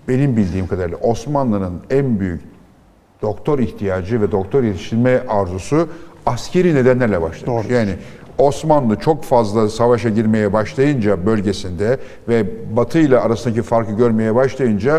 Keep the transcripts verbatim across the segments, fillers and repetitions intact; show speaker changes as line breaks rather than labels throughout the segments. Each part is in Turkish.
benim bildiğim kadarıyla Osmanlı'nın en büyük doktor ihtiyacı ve doktor yetiştirme arzusu askeri nedenlerle başlamış.
Doğru.
Yani Osmanlı çok fazla savaşa girmeye başlayınca bölgesinde ve Batı ile arasındaki farkı görmeye başlayınca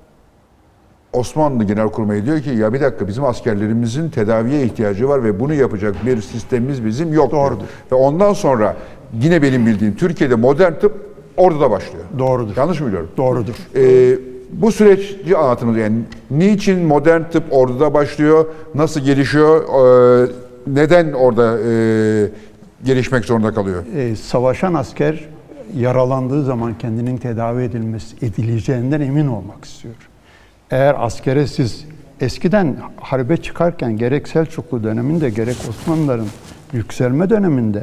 Osmanlı Genelkurmayı diyor ki ya bir dakika bizim askerlerimizin tedaviye ihtiyacı var ve bunu yapacak bir sistemimiz bizim yok.
Doğrudur.
Ve ondan sonra yine benim bildiğim Türkiye'de modern tıp orada da başlıyor.
Doğrudur.
Yanlış mı biliyorum?
Doğrudur.
Ee, bu süreci anlatınız yani niçin modern tıp orada başlıyor, nasıl gelişiyor, ee, neden orada ee, gelişmek zorunda kalıyor?
Ee, savaşan asker yaralandığı zaman kendinin tedavi edilmesi edileceğinden emin olmak istiyor. Eğer askere siz eskiden harbe çıkarken gerek Selçuklu döneminde gerek Osmanlıların yükselme döneminde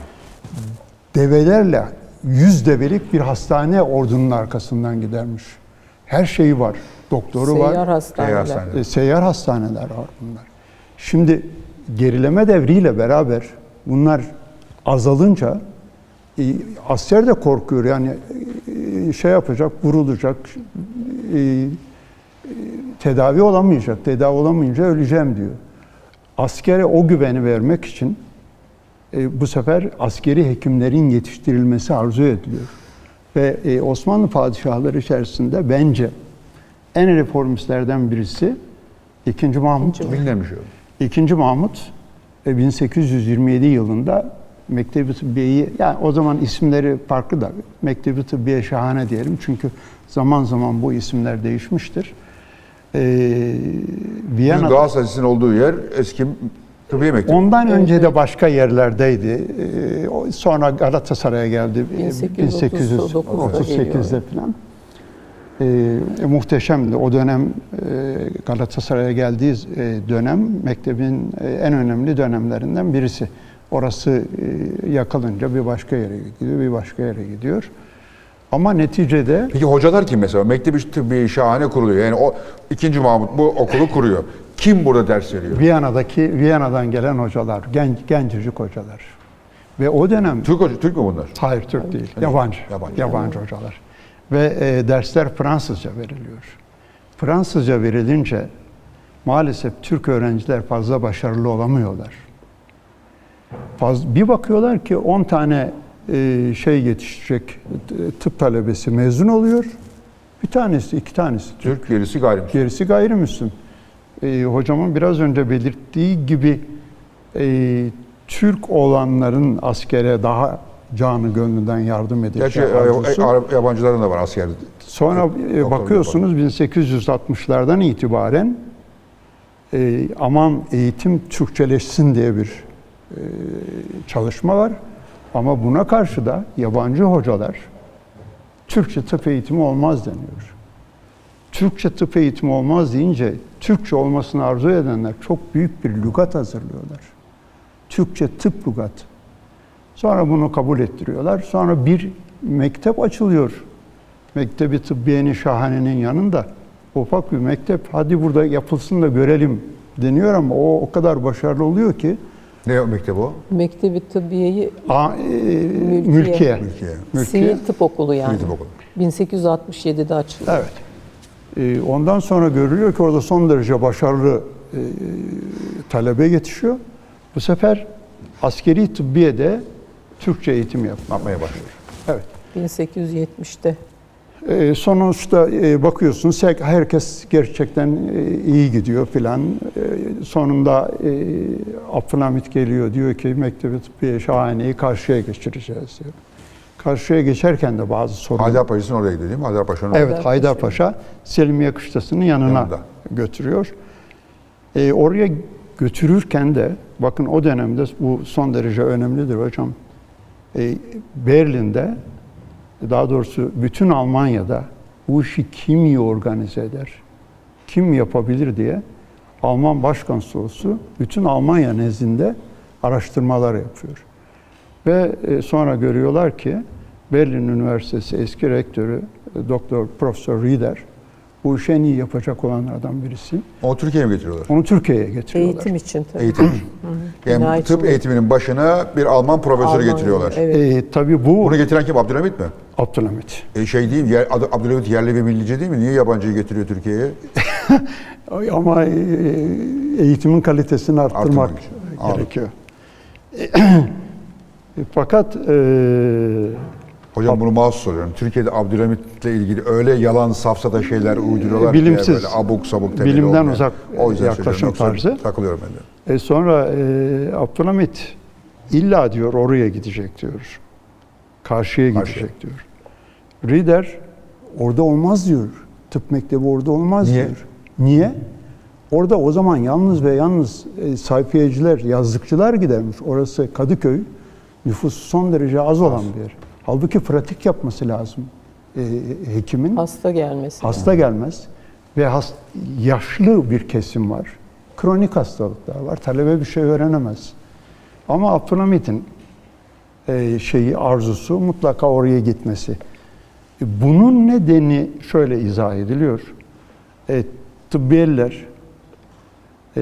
develerle yüz develik bir hastane ordunun arkasından gidermiş. Her şeyi var. Doktoru
Seyyar
var.
hastaneler.
Hastaneler.
E, Seyyar hastaneler var bunlar. Şimdi gerileme devriyle beraber bunlar azalınca e, asker de korkuyor. Yani e, şey yapacak, vurulacak, e, tedavi olamayacak, tedavi olamayınca öleceğim diyor. Askere o güveni vermek için e, bu sefer askeri hekimlerin yetiştirilmesi arzu ediliyor. Ve e, Osmanlı padişahları içerisinde bence en reformistlerden birisi ikinci. Mahmut.
Bilinmemiş o.
ikinci. Mahmut e, bin sekiz yüz yirmi yedi yılında Mektebi Tıbbiye'yi, yani o zaman isimleri farklı da Mektebi Tıbbiye Şahane diyelim çünkü zaman zaman bu isimler değişmiştir. Ee, Viyana,
Galatasaray'ın olduğu yer eski tıbbiye mektebi.
ondan
Evet,
önce
evet.
de başka yerlerdeydi. Ee, sonra Galatasaray'a geldi bin sekiz yüz otuz sekizde falan. Ee, muhteşemdi. O dönem e, Galatasaray'a geldiği e, dönem mektebin e, en önemli dönemlerinden birisi. Orası e, yakılınca bir başka yere gidiyor, bir başka yere gidiyor. Ama neticede
Peki hocalar kim mesela? Mektebi Tıbbiye Şahane kuruluyor. Yani o ikinci. Mahmut bu okulu kuruyor. Kim burada ders veriyor?
Viyana'daki Viyana'dan gelen hocalar, genç gencecik hocalar. Ve o dönem
Türk hoca, Türk mü bunlar?
hayır Türk değil, yabancı.
Yabancı.
Yabancı hocalar. Ve e, dersler Fransızca veriliyor. Fransızca verilince maalesef Türk öğrenciler fazla başarılı olamıyorlar. Faz, bir bakıyorlar ki on tane e, şey yetişecek tıp talebesi mezun oluyor. Bir tanesi, iki tanesi Türk.
Türk, gerisi gayrimüslim.
Gerisi gayrimüslim. E, hocamın biraz önce belirttiği gibi e, Türk olanların askere daha canı gönlünden yardım
Gerçi
edeceği
e,
arzusu.
e, yabancıların da var asker.
Sonra e,
Doktor
bakıyorsunuz bin sekiz yüz altmışlardan itibaren e, aman eğitim Türkçeleşsin diye bir e, çalışma var. Ama buna karşı da yabancı hocalar Türkçe tıp eğitimi olmaz deniyor. Türkçe tıp eğitimi olmaz deyince Türkçe olmasını arzu edenler çok büyük bir lügat hazırlıyorlar. Türkçe tıp lügat. Sonra bunu kabul ettiriyorlar. Sonra bir mektep açılıyor. Mektebi Tıbbiye-i Şahane'nin yanında ufak bir mektep. Hadi burada yapılsın da görelim deniyor ama o o kadar başarılı oluyor ki
Ne o mektep o?
Mektebi Tıbbiye'yi
a, e,
Mülkiye.
mülkiye.
Türkiye.
Mülkiye.
Sivil Tıp Okulu yani.
Sivil Tıp Okulu.
bin sekiz yüz altmış yedide açıldı.
Evet. E, ondan sonra görülüyor ki orada son derece başarılı e, talebe yetişiyor. Bu sefer askeri tıbbiyede Türkçe eğitim yap- yapmaya başlıyor. Evet.
bin sekiz yüz yetmişte.
E, sonuçta e, bakıyorsunuz herkes gerçekten e, iyi gidiyor filan. E, sonunda e, Abdülhamit geliyor diyor ki Mektebi Tıbbiye Şahane'yi karşıya geçireceğiz diyor. Karşıya geçerken de bazı sorunlar.
Haydarpaşa'nın oraya gidiyor değil mi? Haydarpaşa'nın oraya.
Evet, Haydarpaşa Selimiye Kışlası'nın yanına
Yanında.
götürüyor. E, oraya götürürken de bakın o dönemde bu son derece önemlidir hocam. E, Berlin'de daha doğrusu bütün Almanya'da bu işi kim iyi organize eder, kim yapabilir diye Alman Başkonsolosu bütün Almanya nezdinde araştırmalar yapıyor. Ve sonra görüyorlar ki Berlin Üniversitesi eski rektörü Doktor Profesör Rieder bu işi en iyi yapacak olanlardan birisi.
O Türkiye'ye mi getiriyorlar?
Onu Türkiye'ye getiriyorlar.
Eğitim için tabii.
Eğitim. Yani
Bina
tıp
için.
eğitiminin başına bir Alman profesörü
Almanya,
getiriyorlar.
Evet.
E, tabii bu
Bunu getiren kim? Abdülhamit mi?
Abdülhamit.
E şey değil, yer, adı Abdülhamit yerli ve millici değil mi? Niye yabancıyı getiriyor Türkiye'ye?
Ama e, eğitimin kalitesini arttırmak
Arttırmak için. Anladım.
gerekiyor. Fakat e,
Hocam bunu mahsus soruyorum. Türkiye'de Abdülhamit'le ilgili öyle yalan safsata şeyler uyduruyorlar ki
Bilimsiz,
böyle abuk sabuk temeli
bilimden
olmayan.
uzak
O yüzden
yaklaşım
söylüyorum. Yoksa
tarzı.
takılıyorum ben de.
E sonra e, Abdülhamit illa diyor oraya gidecek diyor. Karşıya
Karşıya.
gidecek diyor. Rieder orada olmaz diyor. Tıp mektebi orada olmaz
Niye?
diyor. Niye? Orada o zaman yalnız ve yalnız e, sayfiyeciler, yazlıkçılar gidermiş. Orası Kadıköy. Nüfusu son derece az olan bir yer. Halbuki pratik yapması lazım e, hekimin.
Hasta gelmesi.
Hasta gelmez ve hast, yaşlı bir kesim var. Kronik hastalıklar var. Talebe bir şey öğrenemez. Ama Abdülhamit'in e, şeyi arzusu mutlaka oraya gitmesi. E, bunun nedeni şöyle izah ediliyor. E, tıbbiyeller e,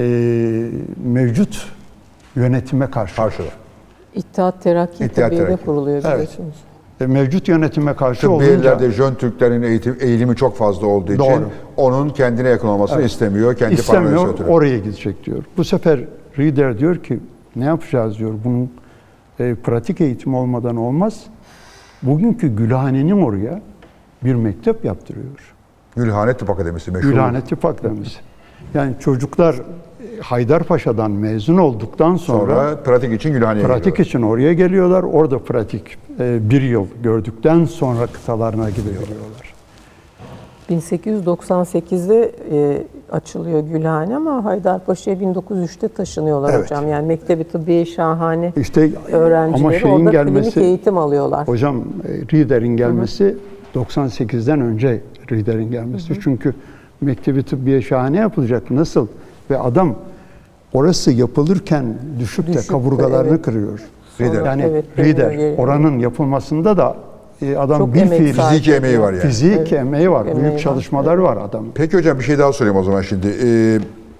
mevcut yönetime karşı.
Karşıda.
İttihat Terakki
İttihat
Tıbbiye'de
Terakki.
kuruluyor
Evet.
biliyorsunuz.
E, mevcut yönetime karşı olunca
Tıbbiyelerde Jön Türklerin eğitim, eğilimi çok fazla olduğu için
Doğru.
onun kendine yakın olmasını
Evet.
istemiyor. Kendi
İstemiyor,
paranoyası ötürü.
oraya gidecek diyor. Bu sefer Rieder diyor ki ne yapacağız diyor. Bunun e, pratik eğitim olmadan olmaz. Bugünkü Gülhane'nin oraya bir mektep yaptırıyor.
Gülhane Tıp Akademisi meşhur.
Gülhane Tıp Akademisi. Yani çocuklar e, Haydarpaşa'dan mezun olduktan sonra,
Sonra pratik için Gülhane'ye
pratik
geliyorlar.
için oraya geliyorlar. Orada pratik e, bir yıl gördükten sonra kıtalarına gidiyorlar.
bin sekiz yüz doksan sekizde e, açılıyor Gülhane ama Haydarpaşa'ya bin dokuz yüz üçte taşınıyorlar
Evet.
hocam. Yani Mektebi Tıbbiye Şahane
İşte
öğrencileri
ama şeyin
orada
gelmesi,
klinik eğitim alıyorlar.
hocam e, Rieder'in gelmesi doksan sekizden önce Rieder'in gelmesi. Çünkü Mektebi Tıbbiye Şahane yapılacak. Nasıl? Ve adam orası yapılırken düşüp de
Düşüp de,
kaburgalarını
evet.
kırıyor.
Rieder.
Yani
Evet, dönüyor
Rieder
geri.
oranın yapılmasında da e, adam
Çok
bir
emek
fiil
sarf
Fiziki emeği var yani.
fizik
Evet.
emeği var.
Emeği
Büyük
var.
çalışmalar var adamın.
Peki hocam bir şey daha sorayım o zaman şimdi. Ee,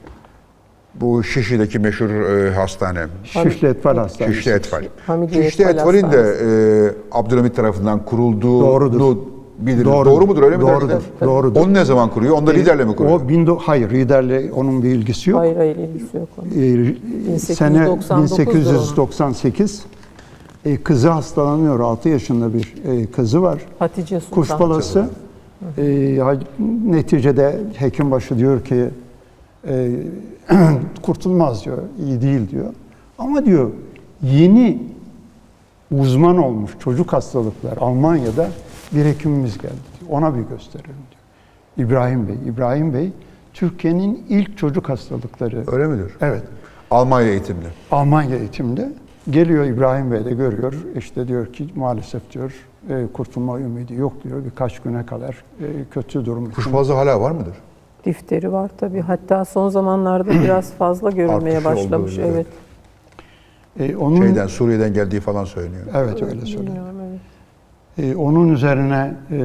bu Şişli'deki meşhur e, hastane.
Şişli Etfal Hastanesi.
Şişli Etfal.
Hamidiye
Şişli
Etfal
Etfal'in de
Hastanesi.
e, Abdülhamit tarafından kurulduğu
Doğrudur.
biliriz.
Doğrudur.
Doğru mudur öyle mi?
Doğrudur.
derler?
Doğrudur.
Onu ne zaman kuruyor? Onu da liderle mi kuruyor?
O bin do- hayır Rieder'le onun bir ilgisi yok.
Hayır hayır ilgisi yok onun.
Ee,
sekiz yüz
sene
doksan dokuz'dur
bin sekiz yüz doksan sekiz e, kızı hastalanıyor. altı yaşında bir e, kızı var.
Hatice Sultan.
Kuşbalası. E, ha- neticede hekimbaşı diyor ki e, kurtulmaz diyor. İyi değil diyor. Ama diyor yeni uzman olmuş çocuk hastalıklar Almanya'da bir hekimimiz geldi. Diyor. Ona bir gösterelim diyor. İbrahim Bey. İbrahim Bey Türkiye'nin ilk çocuk hastalıkları.
Öyle midir?
Evet.
Almanya eğitimli.
Almanya eğitimde geliyor İbrahim Bey de görüyor. İşte diyor ki maalesef diyor e, kurtulma ümidi yok diyor. Birkaç güne kadar e, kötü durum için.
Kuşbazı hala var mıdır?
Difteri var tabii. Hatta son zamanlarda biraz fazla görülmeye
Artışı
başlamış.
olduğu, evet.
Evet.
E, onun,
Şeyden Suriye'den geldiği falan söyleniyor.
Evet öyle söylüyor.
Bilmiyorum, evet.
E, onun üzerine e,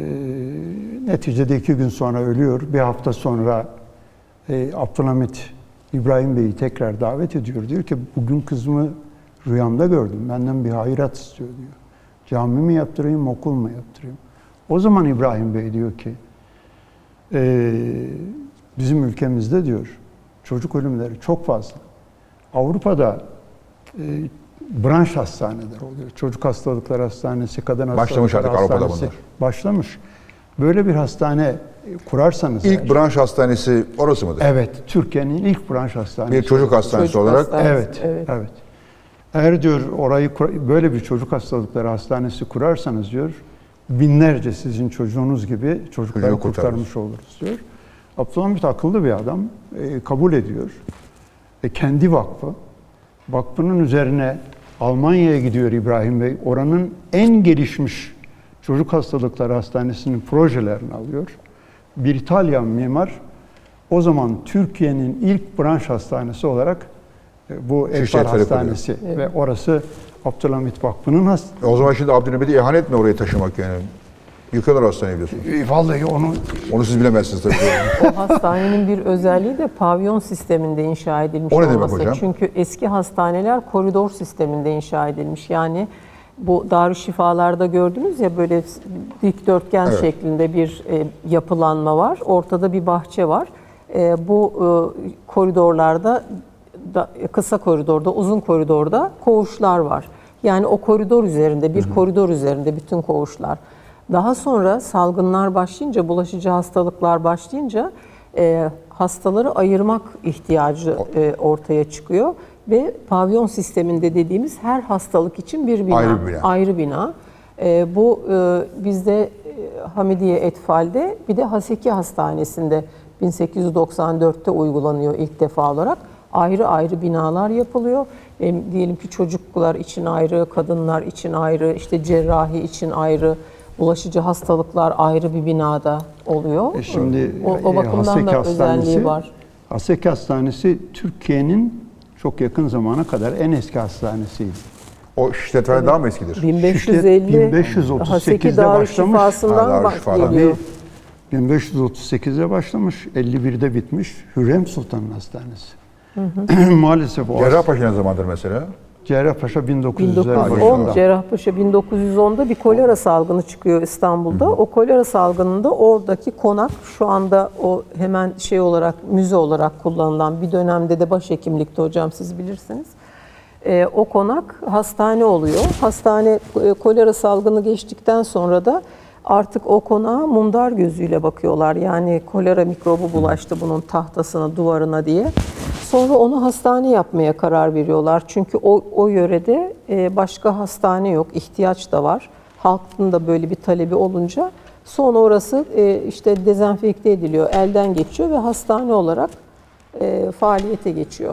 neticede iki gün sonra ölüyor. Bir hafta sonra e, Abdülhamit İbrahim Bey'i tekrar davet ediyor. Diyor ki bugün kızımı rüyamda gördüm. Benden bir hayrat istiyor diyor. Cami mi yaptırayım, okul mu yaptırayım? O zaman İbrahim Bey diyor ki e, bizim ülkemizde diyor çocuk ölümleri çok fazla. Avrupa'da e, branş hastaneler oluyor. Çocuk hastalıkları hastanesi, kadın
Başlamış
hastalıkları
artık Avrupa'da
hastanesi.
bunlar.
Başlamış. Böyle bir hastane kurarsanız
İlk
eğer-
branş hastanesi orası mıdır?
Evet, Türkiye'nin ilk branş hastanesi.
Bir çocuk hastanesi
Çocuk
olarak.
hastanesi.
Evet,
Evet.
evet. Eğer diyor orayı kur- böyle bir çocuk hastalıkları hastanesi kurarsanız diyor binlerce sizin çocuğunuz gibi çocukları
Çocuğu kurtarırız.
kurtarmış oluruz diyor. Abdülhamit akıllı bir adam, e, kabul ediyor. E, kendi vakfı, vakfının üzerine Almanya'ya gidiyor İbrahim Bey. Oranın en gelişmiş çocuk hastalıkları hastanesinin projelerini alıyor. Bir İtalyan mimar o zaman Türkiye'nin ilk branş hastanesi olarak e, bu
Şişli
Etfal
Etfal'i
Hastanesi ve orası Abdülhamit Vakfı'nın hastanesi.
O zaman şimdi Abdülhamit'e ihanet mi oraya taşımak yani? Yıkıyorlar hastaneyi biliyorsunuz.
E, Vallahi onu
Onu siz bilemezsiniz tabii.
O hastanenin bir özelliği de pavyon sisteminde inşa edilmiş
O ne demek
olması.
hocam?
Çünkü eski hastaneler koridor sisteminde inşa edilmiş. Yani Bu Darüşşifalar'da gördünüz ya, böyle dikdörtgen
Evet.
şeklinde bir e, yapılanma var. Ortada bir bahçe var. E, bu e, koridorlarda, da, kısa koridorda, uzun koridorda koğuşlar var. Yani o koridor üzerinde, bir hı hı. koridor üzerinde bütün koğuşlar. Daha sonra salgınlar başlayınca, bulaşıcı hastalıklar başlayınca e, hastaları ayırmak ihtiyacı e, ortaya çıkıyor. Ve pavyon sisteminde dediğimiz her hastalık için bir bina,
Ayrı bir bina.
Ayrı bina. E, bu e, bizde e, Hamidiye Etfal'de, bir de Haseki Hastanesi'nde bin sekiz yüz doksan dörtte uygulanıyor ilk defa olarak. Ayrı ayrı binalar yapılıyor. E, diyelim ki çocuklar için ayrı, kadınlar için ayrı, işte cerrahi için ayrı, bulaşıcı hastalıklar ayrı bir binada oluyor.
E şimdi
o, o bakımdan
Haseki
da özelliği var.
Haseki Hastanesi Türkiye'nin çok yakın zamana kadar en eski hastanesiydi.
O işletme daha mı eskidir?
bin beş yüz elli
bin beş yüz otuz
Haseki
sekizde başlamış.
Darüşşifası'ndan
Ha,
bak-
Darüşşifa'dan.
geliyor.
bin beş yüz otuz sekizde başlamış, elli birde bitmiş. Hürrem Sultan'ın hastanesi. Hı hı. Maalesef o
Cerrahpaşa ne zamandır mesela?
Cerrahpaşa bin
bin
dokuz yüzler
dokuz yüz
başında.
on, Cerrahpaşa bin dokuz yüz onda bir kolera salgını çıkıyor İstanbul'da. O kolera salgınında oradaki konak, şu anda o hemen şey olarak, müze olarak kullanılan, bir dönemde de başhekimlikte hocam, siz bilirsiniz. Ee, o konak hastane oluyor. Hastane e, kolera salgını geçtikten sonra da artık o konağa mundar gözüyle bakıyorlar. Yani kolera mikrobu bulaştı bunun tahtasına, duvarına diye. Sonra onu hastane yapmaya karar veriyorlar. Çünkü o, o yörede e, başka hastane yok, ihtiyaç da var. Halkın da böyle bir talebi olunca sonra orası e, işte dezenfekte ediliyor, elden geçiyor ve hastane olarak e, faaliyete geçiyor.